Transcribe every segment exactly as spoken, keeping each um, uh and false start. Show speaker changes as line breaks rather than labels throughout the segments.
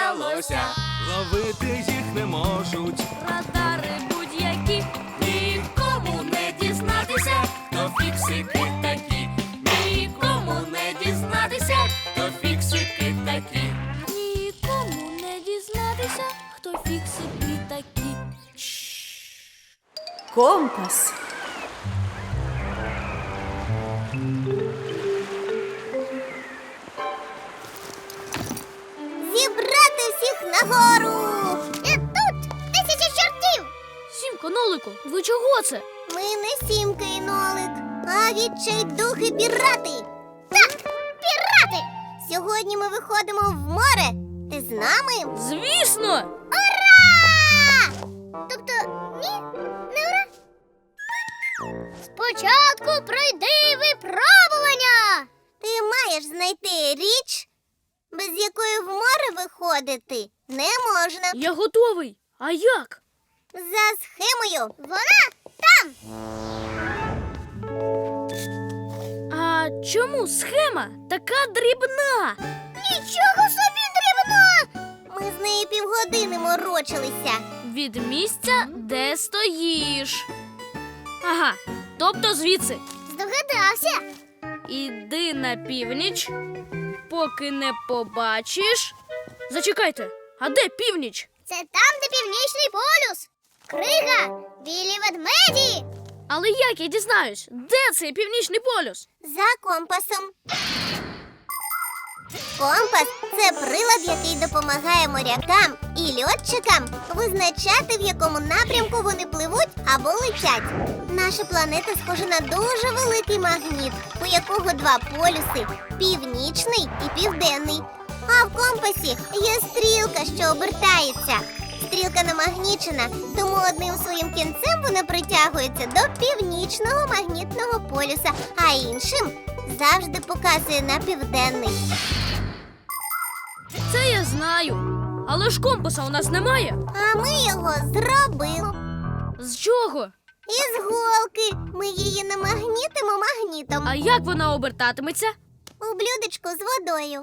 сталося. Ловити їх не можуть.
Радари будь-які.
Нікому не дізнатися, хто фіксики такі. Нікому не дізнатися, хто фіксики такі.
Нікому не дізнатися, хто фіксики такі.
Компас.
Зібрати всіх нагору! І тут тисяча чортів!
Сімко, Нолику, ви чого це?
Ми не Сімка і Нолик, а відчайдухи пірати! Так, пірати! Сьогодні ми виходимо в море. Ти з нами?
Звісно!
Ура! Тобто, ні, не ура. Спочатку пройди випробування! Ти маєш знайти річ, без якої в море виходити не можна.
Я готовий. А як?
За схемою. Вона там.
А чому схема така дрібна?
Нічого собі дрібна! Ми з нею півгодини морочилися.
Від місця, де стоїш. Ага, тобто звідси.
Здогадався.
Іди на північ, поки не побачиш. Зачекайте, а де північ?
Це там, де північний полюс. Крига, білі ведмеді.
Але як я дізнаюсь, де цей північний полюс?
За компасом. Компас – це прилад, який допомагає морякам і льотчикам визначати, в якому напрямку вони пливуть або летять. Наша планета схожа на дуже великий магніт, у якого два полюси – північний і південний. А в компасі є стрілка, що обертається. Стрілка намагнічена, тому одним своїм кінцем вона притягується до північного магнітного полюса, а іншим завжди показує на південний.
Це я знаю. Але ж компаса у нас немає.
А ми його зробили.
З чого?
Із голки. Ми її намагнітимо магнітом.
А як вона обертатиметься?
У блюдечку з водою.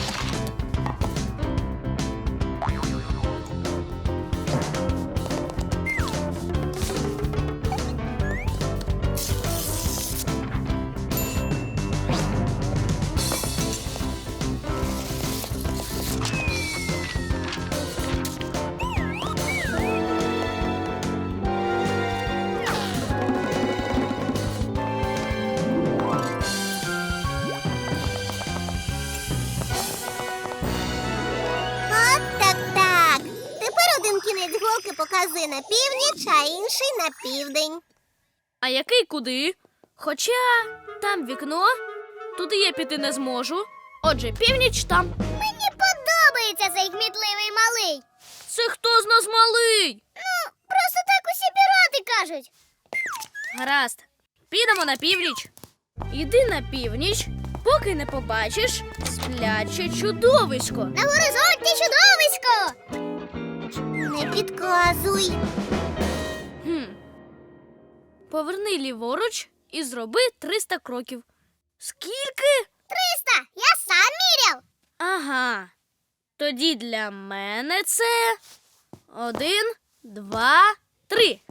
Кінець голки показує на північ, а інший на південь.
А який куди? Хоча там вікно, туди я піти не зможу. Отже, північ там.
Мені подобається цей гмітливий малий.
Це хто з нас малий?
Ну, просто так усі пірати кажуть.
Гаразд, підемо на північ. Іди на північ, поки не побачиш спляче чудовисько.
На горизонті чудовисько! Не підказуй.
Хм. Поверни ліворуч і зроби триста кроків. Скільки?
Триста! Я сам міряв.
Ага. Тоді для мене це один, два, три.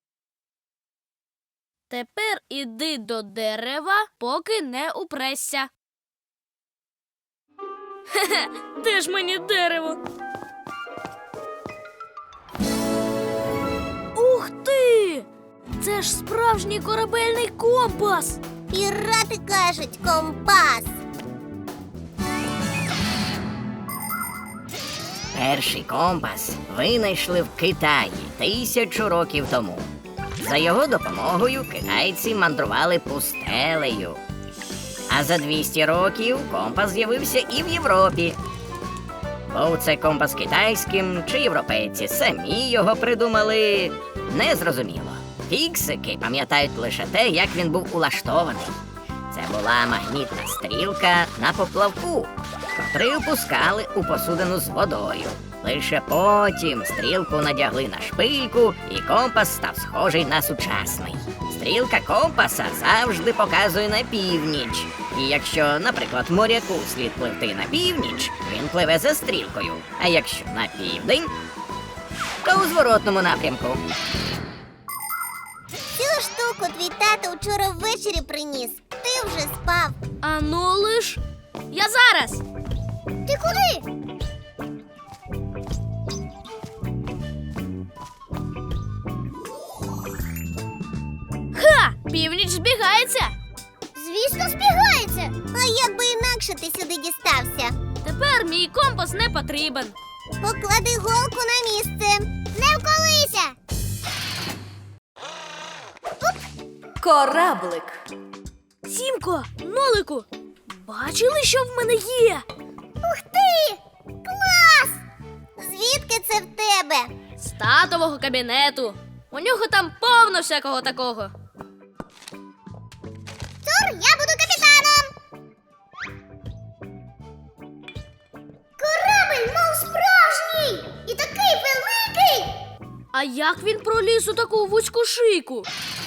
Тепер іди до дерева, поки не упресся. Хе-хе, де ж мені дерево? Ух ти! Це ж справжній корабельний компас!
Пірати кажуть компас.
Перший компас винайшли в Китаї тисячу років тому. За його допомогою китайці мандрували пустелею. А за двісті років компас з'явився і в Європі. Був це компас китайським, чи європейці самі його придумали, незрозуміло. Фіксики пам'ятають лише те, як він був улаштований. Це була магнітна стрілка на поплавку, котрий опускали у посудину з водою. Лише потім стрілку надягли на шпильку, і компас став схожий на сучасний. Стрілка компаса завжди показує на північ, І якщо, наприклад, моряку слід пливти на північ, він пливе за стрілкою. А якщо на південь, то у зворотному напрямку.
Цю штуку твій тато вчора ввечері приніс. Ти вже спав.
А ну лиш. Я зараз.
Ти куди?
Ха! Північ збігається.
Звісно, збігається. А як би інакше ти сюди дістався?
Тепер мій компас не потрібен.
Поклади голку на місце. Не вколися.
Кораблик.
Сімко, Нолику, бачили, що в мене є?
Ух ти! Клас! Звідки це в тебе?
З татового кабінету. У нього там повно всякого такого.
Тур, я буду капітаном. Корабель, мов справжній! І такий великий!
А як він проліз у таку вузьку шийку?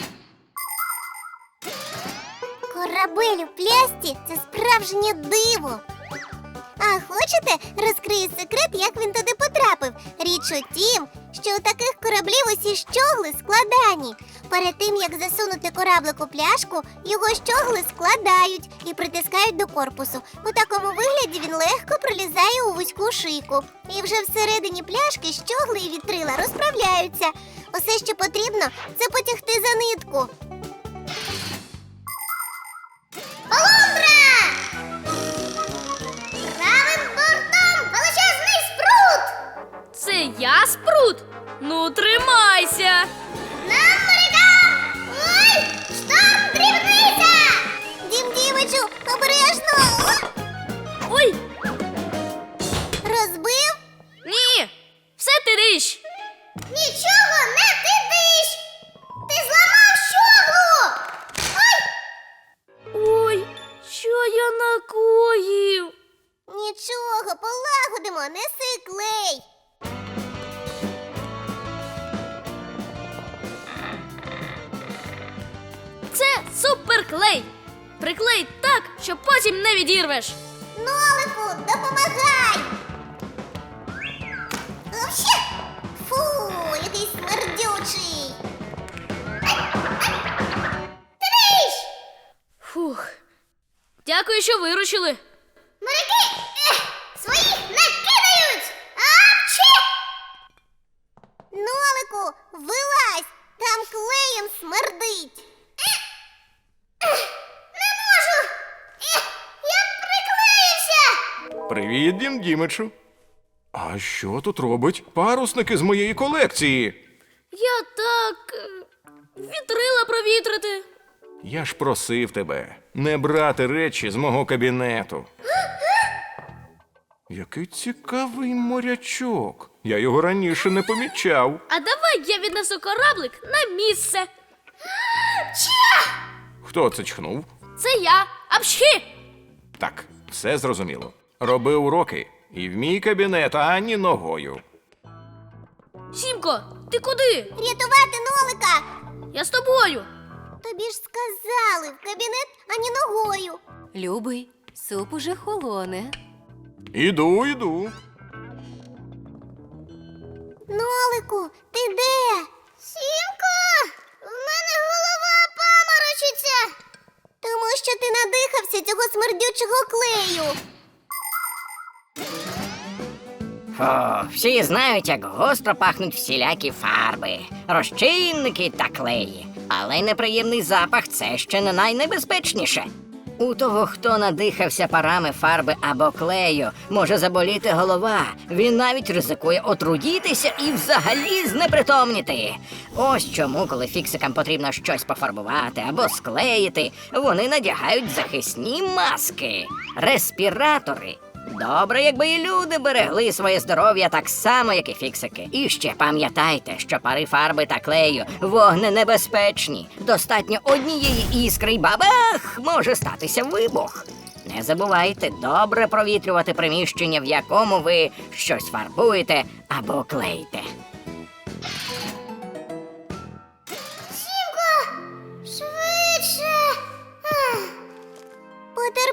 Корабель у плясті – це справжнє диво. А хочете, розкрию секрет, як він туди потрапив? Річ у тім, що у таких кораблів усі щогли складані. Перед тим, як засунути кораблик у пляшку, його щогли складають і притискають до корпусу. У такому вигляді він легко пролізає у вузьку шийку. І вже всередині пляшки щогли і вітрила розправляються. Усе, що потрібно, це потягти за нитку. Полундра! Правим бортом величезний спрут!
Це я спрут? Ну, тримайся!
Нам морякам! Ой! Шторм дрібниця! Дім Дімичу, обережно!
Ой,
Розбив?
ні! Все ти річ!
Нічого не тидиш! Ти зламав щоглу! Ой!
Ой, що я накоїв?
Нічого, полагодимо, неси клей!
Це суперклей! Приклей так, що потім не відірвеш!
Нолику, допомагай! Вообще! Фу, який смердючий! Триш!
Фух. Дякую, що виручили.
Моряки! Ех, своїх не кидають! Апчі! Нолику, вилазь! Там клеєм смердить! Ех, ех, не можу! Ех, я приклеївся!
Привіт, Дім Дімичу. А що тут робить парусники з моєї колекції?
Я так е, вітрила провітрити.
Я ж просив тебе не брати речі з мого кабінету. Який цікавий морячок. Я його раніше не помічав.
А давай я віднесу кораблик на місце.
Хто це чхнув?
Це я. Апшхі!
Так, все зрозуміло. Роби уроки і в мій кабінет ані ногою.
Сімко, ти куди?
Рятувати Нолика!
Я з тобою.
Тобі ж сказали, в кабінет ані ногою.
Любий, суп уже холоне.
Іду, іду.
Нолику, ти де? Сімко, в мене голова паморочиться. Тому що ти надихався цього смердючого клею.
Фу, всі знають, як гостро пахнуть всілякі фарби, розчинники та клеї. Але неприємний запах – це ще не найнебезпечніше. У того, хто надихався парами фарби або клею, може заболіти голова. Він навіть ризикує отруїтися і взагалі знепритомніти. Ось чому, коли фіксикам потрібно щось пофарбувати або склеїти, вони надягають захисні маски – респіратори. Добре, якби і люди берегли своє здоров'я так само, як і фіксики. І ще пам'ятайте, що пари фарби та клею вогненебезпечні. Достатньо однієї іскри й бабах, може статися вибух. Не забувайте добре провітрювати приміщення, в якому ви щось фарбуєте або клеїте.
Сімко, швидше. Ах. По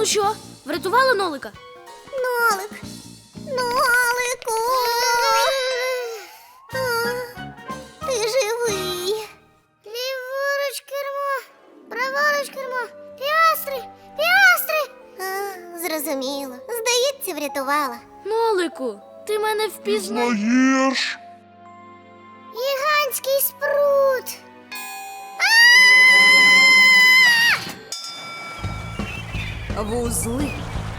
Ну що, врятували нолика?
Нолик. Нолику. А, ти живий. Ліворуч кермо, праворуч кермо. Піастри, піастри. А, зрозуміло. Здається, врятувала.
Нолику, ти мене впізнав.
Знаєш?
Гігантський спрут.
Вузли.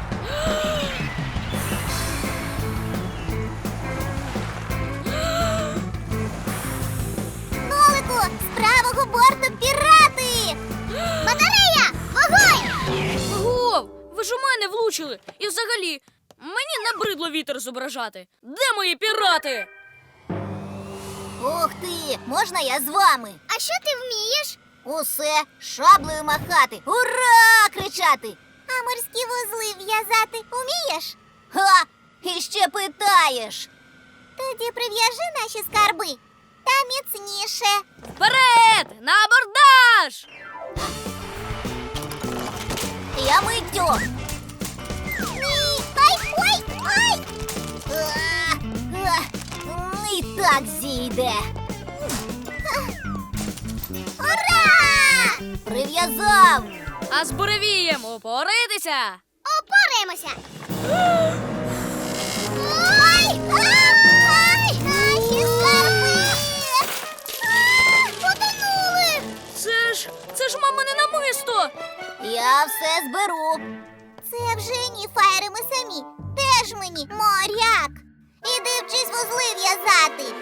Нолику, з правого борту пірати! Батарея! Вогонь!
Гов, ви ж у мене влучили. І взагалі, мені набридло вітер зображати. Де мої пірати?
Ух ти! Можна я з вами? А що ти вмієш? Усе шаблею махати. Ура! Кричати. А морські вузли в'язати вмієш? Ха! І ще питаєш. Тоді прив'яжи наші скарби. Та міцніше.
Вперед! На абордаж!
Я миттю. Ні! Ай! Ой! Ай! А, а, І так зійде. Ура! Прив'язав!
А з буревієм упоритися!
Опораємося! Ой! Ай! Наші скарби! А, Потонули!
Це ж, це ж мамине намисто!
Я все зберу. Це вже ні, Фаєре, ми самі. Теж мені моряк. Іди вчись вузли в'язати.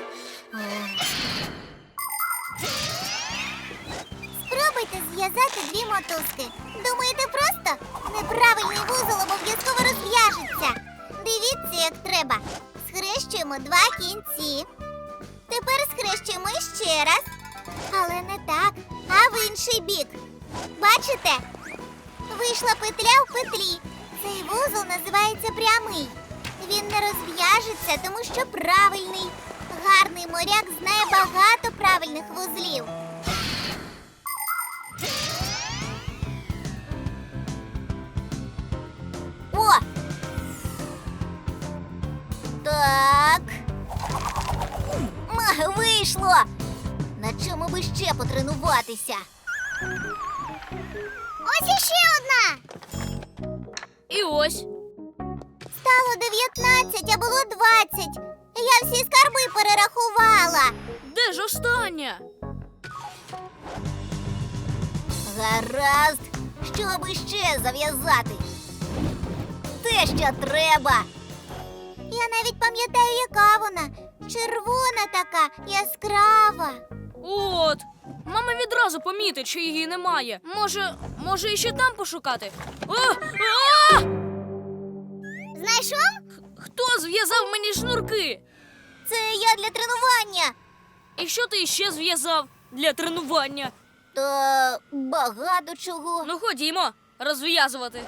Спробуйте зв'язати дві мотузки. Думаєте просто? Неправильний вузол обов'язково розв'яжеться. Дивіться, як треба. Схрещуємо два кінці. Тепер схрещуємо ще раз. Але не так, а в інший бік. Бачите? Вийшла петля в петлі. Цей вузол називається прямий. Він не розв'яжеться, тому що правильний. Гарний моряк знає багато правильних вузлів. О! Так. М, Вийшло! На чому би ще потренуватися? Ось іще одна!
І ось.
Стало дев'ятнадцять, а було двадцять. Я всі скарби перерахувала.
Де ж остання?
Гаразд, щоб іще зав'язати. Те, що треба. Я навіть пам'ятаю, яка вона. Червона така, яскрава.
От. Мама відразу помітить, що її немає. Може, може іще там пошукати? А! А!
Знайшов?
Хто зв'язав мені шнурки?
Це я для тренування.
І що ти ще зв'язав для тренування?
Та багато чого.
Ну ходімо, розв'язувати.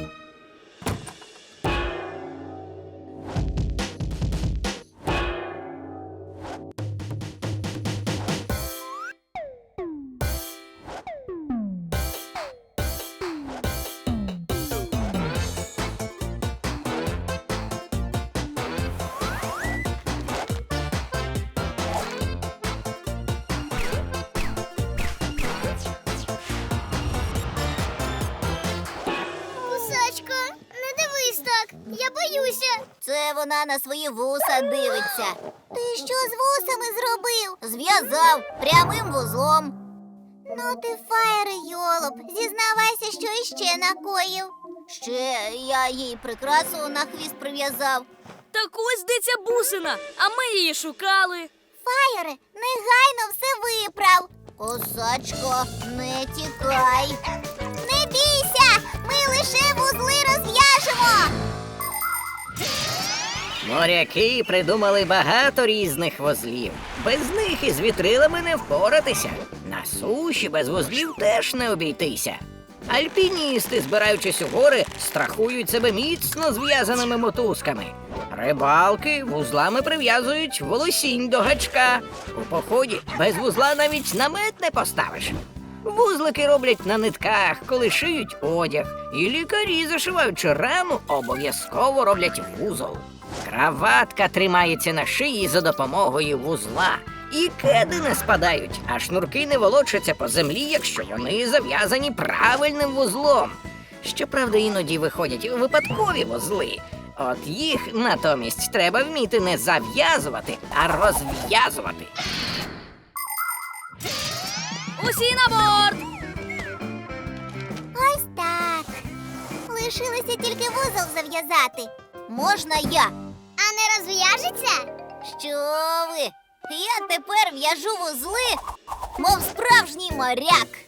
Кусачко, не дивись так, я боюся. Це вона на свої вуса дивиться. Ти що з вусами зробив? Зв'язав прямим вузлом. Ну ти, Фаєре, йолоп, зізнавайся, що іще накоїв. Ще я їй прикрасу на хвіст прив'язав.
Так ось де ця бусина, а ми її шукали.
Фаєре, негайно все виправ. Косачко, не тікай. Не бійся, ми лише вузли розв'яжемо.
Моряки придумали багато різних вузлів. Без них із вітрилами не впоратися. На суші без вузлів теж не обійтися. Альпіністи, збираючись у гори, страхують себе міцно зв'язаними мотузками. Рибалки вузлами прив'язують волосінь до гачка. У поході без вузла навіть намет не поставиш. Вузлики роблять на нитках, коли шиють одяг. І лікарі, зашиваючи рану, обов'язково роблять вузол. Краватка тримається на шиї за допомогою вузла. І кеди не спадають, а шнурки не волочаться по землі, якщо вони зав'язані правильним вузлом. Щоправда, іноді виходять випадкові вузли. От їх натомість треба вміти не зав'язувати, а розв'язувати.
Усі на борт!
Ось так. Лишилося тільки вузол зав'язати. Можна я? А не розв'яжеться? Що ви? Я тепер в'яжу вузли, мов справжній моряк.